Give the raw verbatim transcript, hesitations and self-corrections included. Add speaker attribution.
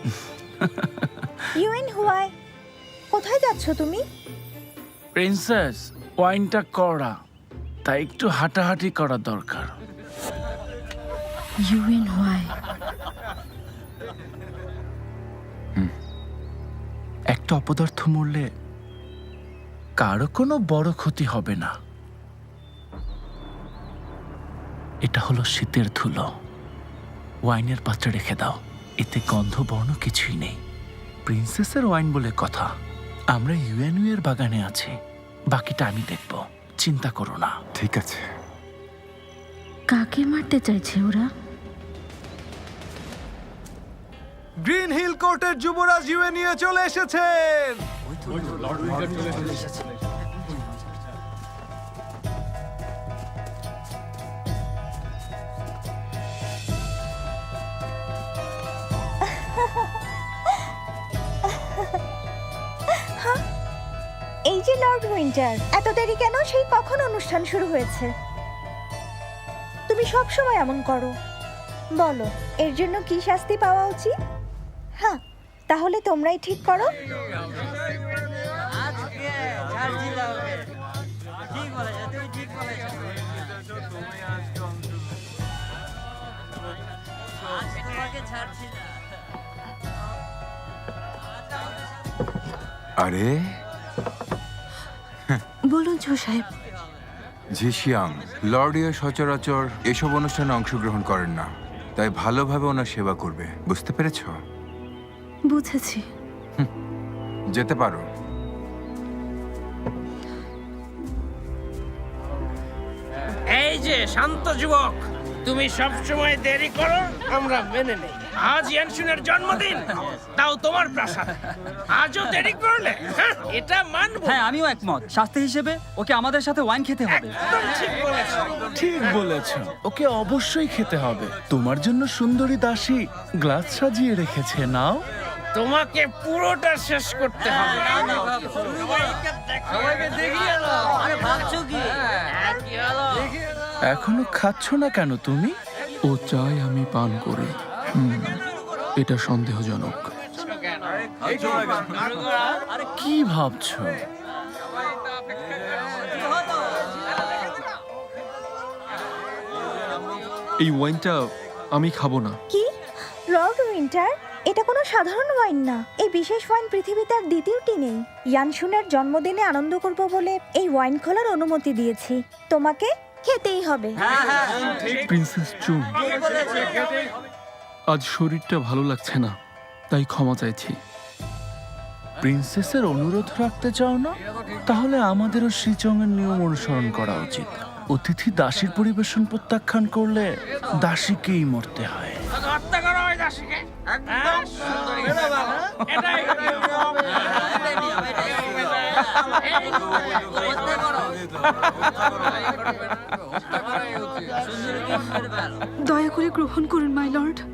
Speaker 1: UN Huawei, কোথায় যাচ্ছ তুমি?
Speaker 2: প্রিন্সেস, ওয়াইনটা কড়া, তাই একটু হাঁটাহাঁটি করা দরকার।
Speaker 1: ইউএন হুয়াই,
Speaker 2: একটা অপদার্থ মরলে কারো কোনো বড় ক্ষতি হবে না। এটা হলো শীতের ধুলো। ওয়াইনের পাত্রে রেখে দাও, এতে গন্ধ বর্ণ কিছুই নেই। প্রিন্সেসের ওয়াইন বলে কথা। আমরা ইউএনইউ এর বাগানে আছি, বাকিটা আমি দেখব, চিন্তা করো না।
Speaker 3: ঠিক আছে।
Speaker 1: কাকে মারতে চাইছে ওরা?
Speaker 4: গ্রিন হিল কোর্টের যুবরাজ ইউএনইউ চলে এসেছেন।
Speaker 1: এই যে লর্ড উইন্টার, এত দেরি কেন? সেই কখন অনুষ্ঠান শুরু হয়েছে? তুমি সব সময় এমন করো। বলো, এর জন্য কি শাস্তি পাওয়া উচিত? হ্যাঁ, তাহলে তোমরাই ঠিক করো।
Speaker 3: আরে
Speaker 1: বলুন জো সাহেব।
Speaker 3: ঝিশিয়াং, লর্ডিও সচরাচর এসব অনুষ্ঠানে অংশগ্রহণ করেন না, তাই ভালোভাবে ওনার সেবা করবে, বুঝতে পেরেছ?
Speaker 1: বুঝেছি।
Speaker 3: যেতে পারো।
Speaker 5: এই যে শান্ত যুবক, তুমি সব সময় দেরি করো, আমরা মেনে নেই। আজ ইয়ানশুনের জন্মদিন, তাও তোমার প্রাসাদ, আজও দেরি করলে হ্যাঁ, এটা মানবো।
Speaker 6: হ্যাঁ, আমিও একমত। শাস্তি হিসেবে ওকে আমাদের সাথে ওয়াইন খেতে হবে।
Speaker 5: একদম ঠিক বলেছো।
Speaker 2: ঠিক বলেছ, ওকে অবশ্যই খেতে হবে। তোমার জন্য সুন্দরী দাসী গ্লাস সাজিয়ে রেখেছে, নাও।
Speaker 5: তোমাকে পুরোটা শেষ করতে হবে।
Speaker 2: এখনো খাচ্ছ না কেন তুমি?
Speaker 7: ও চায় আমি পান করি। হুম, এটা সন্দেহজনক।
Speaker 2: কি ভাবছো?
Speaker 7: এই ওয়াইনটা আমি খাবো না।
Speaker 1: কি? লর্ড উইন্টার, এটা কোনো সাধারণ ওয়াইন না। এই বিশেষ ওয়াইন পৃথিবীতে আর দ্বিতীয়টি নেই। ইয়ানশুনের জন্মদিনে আনন্দ করব বলে এই ওয়াইন খোলার অনুমতি দিয়েছি। তোমাকে খেতেই হবে।
Speaker 7: প্রিন্সেস চুন, আজ শরীরটা ভালো লাগছে না, তাই ক্ষমা চাইছি।
Speaker 2: প্রিন্সেসের অনুরোধ রাখতে চাও না? তাহলে আমাদেরও শ্রীচঙের নিয়ম অনুসরণ করা উচিত। অতিথি দাসীর পরিবেশন প্রত্যাখ্যান করলে দাসীকেই মরতে হয়।
Speaker 5: হত্যা করো ওই দাসীকে। হ্যাঁ, সুন্দরী। এটাই নিয়ম।
Speaker 8: দয়া করে গ্রহণ করুন মাই লর্ড।